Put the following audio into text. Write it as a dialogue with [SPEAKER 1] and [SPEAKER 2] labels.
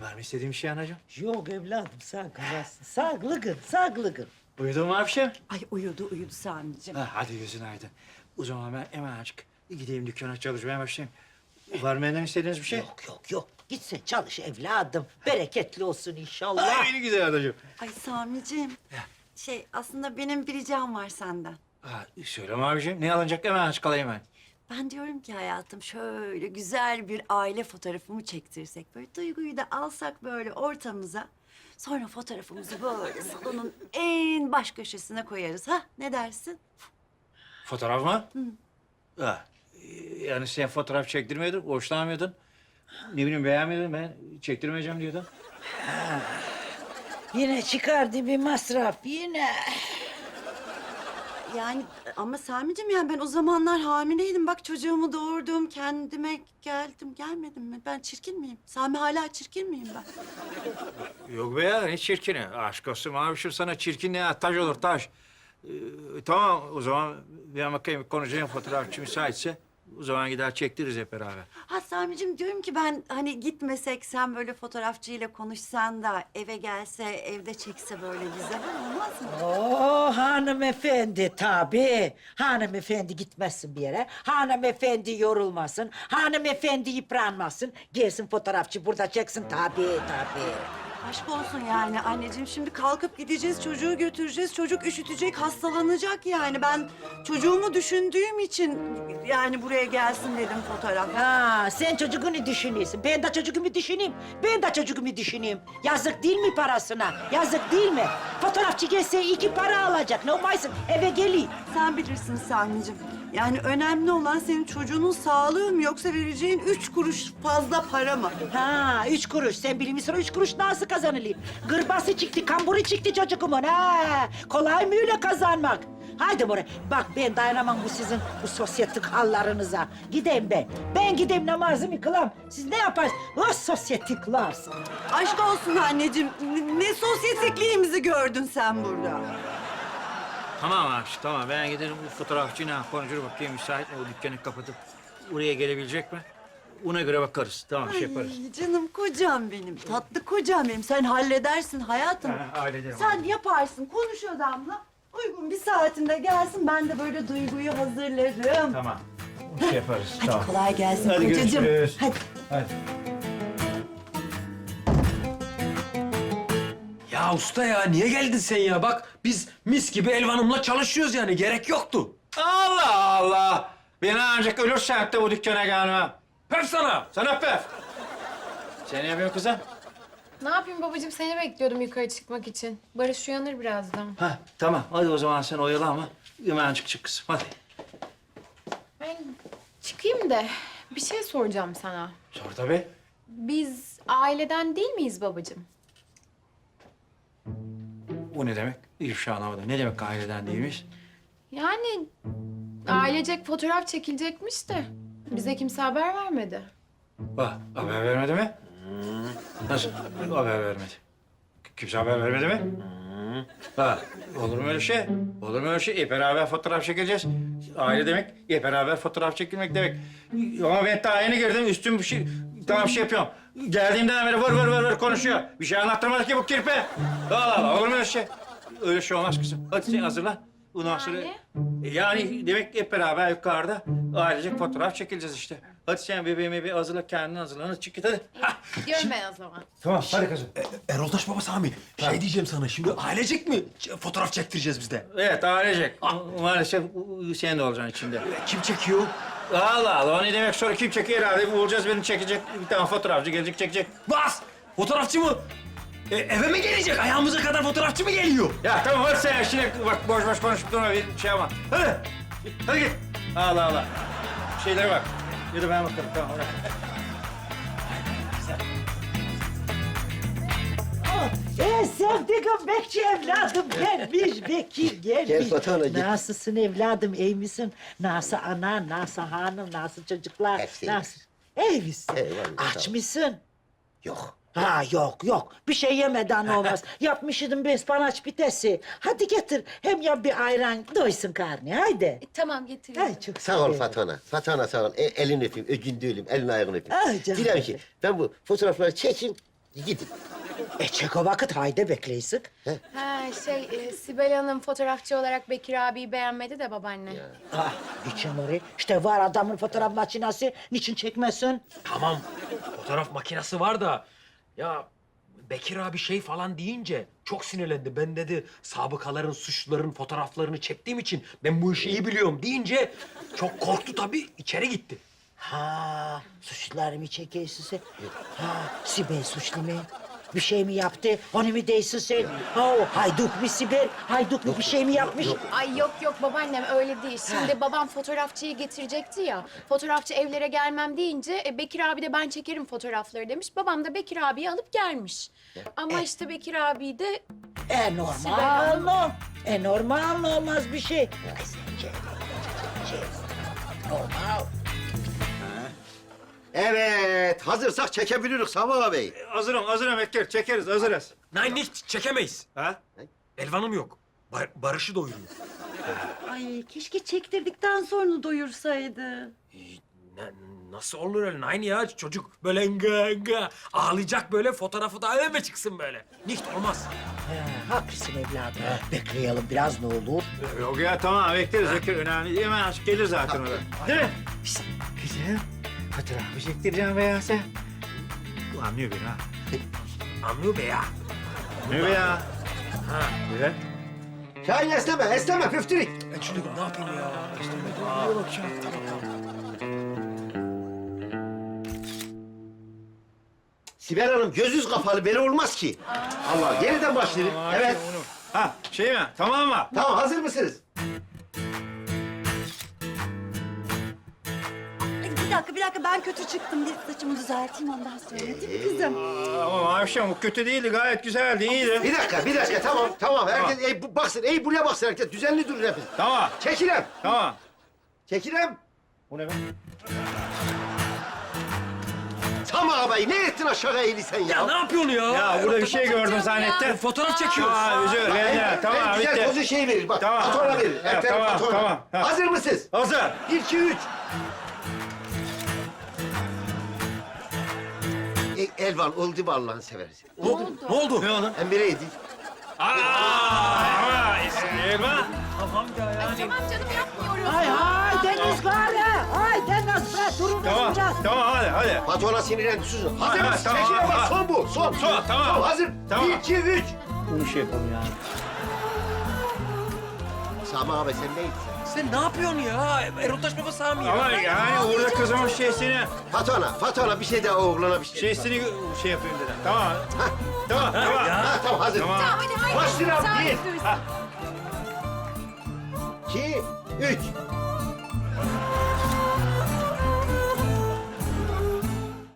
[SPEAKER 1] Var mı istediğin bir şey anacığım?
[SPEAKER 2] Yok evladım sen kızasın. Sağlıkın, sağlıkın.
[SPEAKER 1] Uyudun mu Afşem?
[SPEAKER 3] Ay uyudu Sami'ciğim.
[SPEAKER 1] Ha, hadi gözün aydın. O zaman ben hemen açık gideyim dükkana çalışmaya başlayayım. Var mı benden istediğiniz bir şey?
[SPEAKER 2] Yok. Git sen çalış evladım. Bereketli olsun inşallah.
[SPEAKER 1] Ay, ne güzel anacığım.
[SPEAKER 3] Ay Sami'ciğim. Aslında benim bir ricam var senden.
[SPEAKER 1] Ha, söyleme abiciğim. Ne alınacak hemen aç kalayım ben.
[SPEAKER 3] Ben diyorum ki hayatım şöyle güzel bir aile fotoğrafımı çektirsek. Böyle Duygu'yu da alsak böyle ortamıza. Sonra fotoğrafımızı böyle salonun en baş köşesine koyarız. Ha ne dersin?
[SPEAKER 1] Fotoğraf mı? Ha, yani sen fotoğraf çektirmiyordun, hoşlanmıyordun. Ne bileyim beğenmiyordun, ben çektirmeyeceğim diyordun.
[SPEAKER 2] Yine çıkardı bir masraf yine.
[SPEAKER 3] Yani ama Sami'ciğim yani ben o zamanlar hamileydim. Bak çocuğumu doğurdum, kendime geldim. Gelmedim mi? Ben çirkin miyim? Sami hala çirkin miyim ben?
[SPEAKER 1] Yok be ya, ne çirkini? Aşk olsun abiciğim, sana çirkin ne? Taş olur, taş. Tamam, o zaman bir bakayım konuşacağım fotoğrafçı müsaitse. O zaman gider çektiririz hep beraber.
[SPEAKER 3] Ha Sami'ciğim diyorum ki ben hani gitmesek sen böyle fotoğrafçıyla konuşsan da eve gelse evde çekse böyle bize olmaz mı?
[SPEAKER 2] Oo hanımefendi tabii. Hanımefendi gitmezsin bir yere. Hanımefendi yorulmasın. Hanımefendi yıpranmasın. Gelsin fotoğrafçı burada çeksin tabii.
[SPEAKER 3] Aşk olsun yani anneciğim şimdi kalkıp gideceğiz çocuğu götüreceğiz. Çocuk üşütecek hastalanacak yani. Ben çocuğumu düşündüğüm için yani buraya gelsin dedim fotoğraf.
[SPEAKER 2] Ha sen çocuğunu düşünüyorsun. Ben de çocuğumu düşüneyim. Yazık değil mi parasına? Yazık değil mi? Fotoğrafçı gelse 2 para alacak. Ne olmasın eve geleyim.
[SPEAKER 3] Sen bilirsin Sami'ciğim. Yani önemli olan senin çocuğunun sağlığı mı yoksa vereceğin 3 kuruş fazla para mı?
[SPEAKER 2] Ha 3 kuruş. Sen bilir misin o 3 kuruş nasıl kazanılıyor? Gırbası çıktı, kamburu çıktı çocuğumun. Ha kolay mı öyle kazanmak? Haydi buraya. Bak ben dayanamam bu sizin bu sosyetik hallarınıza. Gideyim ben. Ben gideyim namazımı kılam. Siz ne yaparsınız? O sosyetikler.
[SPEAKER 3] Aşk olsun anneciğim. Ne sosyetikliğimizi gördün sen burada.
[SPEAKER 1] Tamam abi, tamam. Ben giderim bu fotoğrafçıyla konuşur bakayım müsait mi o dükkanı kapatıp oraya gelebilecek mi? Ona göre bakarız. Tamam, şey yaparız.
[SPEAKER 3] Ay, canım kocam benim, tatlı kocam benim. Sen halledersin hayatım.
[SPEAKER 1] Ha, hallederim.
[SPEAKER 3] Sen yaparsın, konuş adamla. Uygun bir saatinde gelsin, ben de böyle Duygu'yu hazırlarım.
[SPEAKER 1] Tamam. Şey yaparız.
[SPEAKER 3] Hadi
[SPEAKER 1] tamam.
[SPEAKER 3] kolay gelsin
[SPEAKER 1] Hadi
[SPEAKER 3] kocacığım.
[SPEAKER 1] görüşürüz.
[SPEAKER 3] Hadi.
[SPEAKER 1] Hadi.
[SPEAKER 4] Ya usta ya niye geldin sen ya? Bak biz mis gibi Elvan'ımla çalışıyoruz yani gerek yoktu.
[SPEAKER 1] Allah Allah! Ben ancak ölürsem de bu dükkana gelmem.
[SPEAKER 4] Pef sana.
[SPEAKER 1] Sana pef! Sen ne yapıyorsun kızım?
[SPEAKER 5] Ne yapayım babacığım? Seni bekliyordum yukarı çıkmak için. Barış uyanır birazdan.
[SPEAKER 1] Ha, tamam. Hadi o zaman sen oyalanma. Hemen çık kızım. Hadi.
[SPEAKER 5] Ben çıkayım da bir şey soracağım sana.
[SPEAKER 1] Sor tabii.
[SPEAKER 5] Biz aileden değil miyiz babacığım?
[SPEAKER 1] Bu ne demek? İfşa anlamadım. Ne demek aileden değilmiş?
[SPEAKER 5] Yani ailecek fotoğraf çekilecekmiş de bize kimse haber vermedi.
[SPEAKER 1] Bak, haber vermedi mi? Nasıl? Haber vermedi. Kimse haber vermedi mi? Ha, olur mu öyle şey? Olur mu öyle şey? Beraber fotoğraf çekeceğiz. Aile demek, beraber fotoğraf çekilmek demek. Ama ben daha yeni girdim, üstüm bir şey... Tamam şey yapıyorum. Geldiğimden beri vır konuşuyor. Bir şey anlattırmadı ki bu kirpi. Allah Allah, olur mu öyle şey? Öyle şey olmaz kızım. Hadi sen hazırla. Ondan sonra... Yani demek hep beraber yukarıda ailecek fotoğraf çekileceğiz işte. Hadi sen bebeğimi bir hazırla, kendini hazırla. Hadi çık git hadi.
[SPEAKER 5] Gidiyorum ben o zaman.
[SPEAKER 1] Tamam, hadi kızım.
[SPEAKER 4] Erol Taş Baba Sami şey diyeceğim sana şimdi ailecek mi fotoğraf çektireceğiz biz de?
[SPEAKER 1] Evet, ailecek. Maalesef sen de olacaksın içinde.
[SPEAKER 4] Kim çekiyor?
[SPEAKER 1] Allah Allah, o ne demek sonra kim çekiyor herhalde? Bulacağız beni çekecek. Bir tane fotoğrafçı gelecek, çekecek.
[SPEAKER 4] Bas! Fotoğrafçı mı? Eve mi gelecek? Ayağımıza kadar fotoğrafçı mı geliyor?
[SPEAKER 1] Ya tamam hadi sen şimdi bak boş konuşup durma bir şey yapma. Hadi. Hadi git. Allah Allah. Şeylere bak. Yürü ben bakarım tamam. Bırak.
[SPEAKER 2] Sevdiğim bekçi evladım gelmiş, Bekir gelmiş.
[SPEAKER 6] Gel Fatma, gel.
[SPEAKER 2] Nasılsın evladım, iyi misin? Nasıl ana, nasıl hanım, nasıl çocuklar?
[SPEAKER 6] Hepsi
[SPEAKER 2] Nasıl? İyi misin?
[SPEAKER 6] Eyvallah,
[SPEAKER 2] Aç
[SPEAKER 6] sağ ol.
[SPEAKER 2] mısın?
[SPEAKER 6] Yok.
[SPEAKER 2] Ha yok. Bir şey yemeden olmaz. Yapmışydın bir ıspanaç pitesi. Hadi getir. Hem ya bir ayran doysun karnı. Haydi.
[SPEAKER 5] Tamam getiriyorum.
[SPEAKER 2] Ay çok
[SPEAKER 6] Sağ ol
[SPEAKER 2] sevindim.
[SPEAKER 6] Fatma. Fatma sağ ol. Elini öpeyim, öcünde öleyim, elini ayağını öpeyim.
[SPEAKER 2] Ay canım
[SPEAKER 6] Dilerim
[SPEAKER 2] benim.
[SPEAKER 6] ki ben bu fotoğrafları çekeyim, Gidin.
[SPEAKER 2] Çek o vakit haydi bekleysik.
[SPEAKER 5] Sibel Hanım fotoğrafçı olarak Bekir abiyi beğenmedi de babaanne.
[SPEAKER 2] Ah, niçin oraya? İşte var adamın fotoğraf makinesi. Niçin çekmesin?
[SPEAKER 4] Tamam, fotoğraf makinesi var da... Ya Bekir abi şey falan deyince çok sinirlendi. Ben dedi sabıkaların, suçluların fotoğraflarını çektiğim için ben bu işi iyi biliyorum deyince çok korktu tabii, içeri gitti.
[SPEAKER 2] Ha, suçluları mı çekiyorsun sen? Ha, Sibel suçlu mu? Bir şey mi yaptı? Onu mu değilsin sen? Ha, o hayduk mu Sibel? Hayduk mu bir şey mi yapmış?
[SPEAKER 5] Ay yok babaannem öyle değil. Şimdi babam fotoğrafçıyı getirecekti ya. Fotoğrafçı evlere gelmem deyince Bekir abi de ben çekerim fotoğrafları demiş. Babam da Bekir abiyi alıp gelmiş. Ama işte Bekir abi de
[SPEAKER 2] Normal mı? Normal mı olmaz bir şey? Ay sence normal.
[SPEAKER 6] Evet, hazırsak çekebiliriz Sami Bey.
[SPEAKER 1] Hazırım Bekir. Çekeriz, hazırız.
[SPEAKER 4] Nein, hiç çekemeyiz.
[SPEAKER 1] Ha?
[SPEAKER 4] Elvan'ım yok. Barış'ı doyuruyor.
[SPEAKER 3] Ay keşke çektirdikten sonra doyursaydı.
[SPEAKER 4] Nasıl olur öyle? Nein ya, çocuk böyle nga ağlayacak böyle, fotoğrafı da öyle çıksın böyle. Nicht olmaz.
[SPEAKER 2] Haklısın evladım. Bekleyelim biraz ne olur.
[SPEAKER 1] Yok ya tamam bekleriz Bekir. Önemli değil. Hemen gelir zaten o da. Değil mi? Şişt, kızım. Fotoğrafı çektireceğim be ya sen. Bu anlıyor beni ha.
[SPEAKER 4] Anlıyor be ya.
[SPEAKER 1] Anlıyor be ya.
[SPEAKER 4] Ha.
[SPEAKER 1] Güzel.
[SPEAKER 6] Şahin esneme püftürük.
[SPEAKER 4] Çocuk ne yapayım ya?
[SPEAKER 6] Sibel Hanım gözünüz kapalı, böyle olmaz ki. Allah, yeniden başlayalım. Evet.
[SPEAKER 1] Ha şey mi? Tamam mı?
[SPEAKER 6] Tamam, hazır mısınız?
[SPEAKER 3] Bir dakika ben kötü çıktım. Bir saçımı düzelteyim ondan sonra değil mi kızım?
[SPEAKER 1] Ama Mavişem bu kötü değildi. Gayet güzeldi. iyiydi.
[SPEAKER 6] Bir dakika, tamam. Herkes baksın, buraya baksın herkes. Düzenli durun hepiniz.
[SPEAKER 1] Tamam.
[SPEAKER 6] Çekilem.
[SPEAKER 1] Tamam.
[SPEAKER 6] Çekilem.
[SPEAKER 1] Bu ne be?
[SPEAKER 6] Sami ağabey, ne ettin aşağı eğili sen ya?
[SPEAKER 4] Ya ne yapıyorsun ya?
[SPEAKER 1] Ya burada bir şey gördüm zannettim.
[SPEAKER 4] Fotoğraf çekiyoruz.
[SPEAKER 1] Aa özür dilerim. Tamam
[SPEAKER 6] En güzel
[SPEAKER 1] bitti.
[SPEAKER 6] pozu şey verir bak.
[SPEAKER 1] Tamam.
[SPEAKER 6] Fatura verir.
[SPEAKER 1] Ha,
[SPEAKER 6] Ertem
[SPEAKER 1] tamam,
[SPEAKER 6] fatura.
[SPEAKER 1] tamam. Ha.
[SPEAKER 6] Hazır mısınız?
[SPEAKER 1] Hazır.
[SPEAKER 6] 1, 2, 3. Elvan oldu mu Allah'ını seversen?
[SPEAKER 4] Ne oldu? Ne oldu?
[SPEAKER 1] Ne oldu?
[SPEAKER 6] Emre'ydi.
[SPEAKER 1] Ama Elma.
[SPEAKER 4] Tamam ya yani.
[SPEAKER 5] Tamam canım yapmıyoruz.
[SPEAKER 2] Ay Deniz gari. Ay Deniz be durun
[SPEAKER 1] Tamam.
[SPEAKER 2] biraz.
[SPEAKER 1] Tamam hadi.
[SPEAKER 6] Patona sinirlendi susun. Hazır
[SPEAKER 1] Ha,
[SPEAKER 6] mısın?
[SPEAKER 1] tamam,
[SPEAKER 6] Çekilem
[SPEAKER 1] ha.
[SPEAKER 6] bak son bu. Son.
[SPEAKER 1] Tamam.
[SPEAKER 6] Hazır.
[SPEAKER 1] Tamam.
[SPEAKER 6] 1, 2, 3.
[SPEAKER 1] Bu şey yapalım ya.
[SPEAKER 6] Sami abi sen neydin sen?
[SPEAKER 4] Sen ne yapıyorsun ya? Erotaş baba Sami ya.
[SPEAKER 1] Ama yani orada kızımın şeysini
[SPEAKER 6] Fatona bir şey daha oğlana bir şey.
[SPEAKER 1] şey yapayım dedim. Tamam. Tamam.
[SPEAKER 6] Ha, tamam hazır.
[SPEAKER 1] Tamam.
[SPEAKER 5] Hadi haydi.
[SPEAKER 6] Başlayalım.
[SPEAKER 5] Sen
[SPEAKER 6] 1,
[SPEAKER 5] yapıyorsun.
[SPEAKER 6] 2, 3.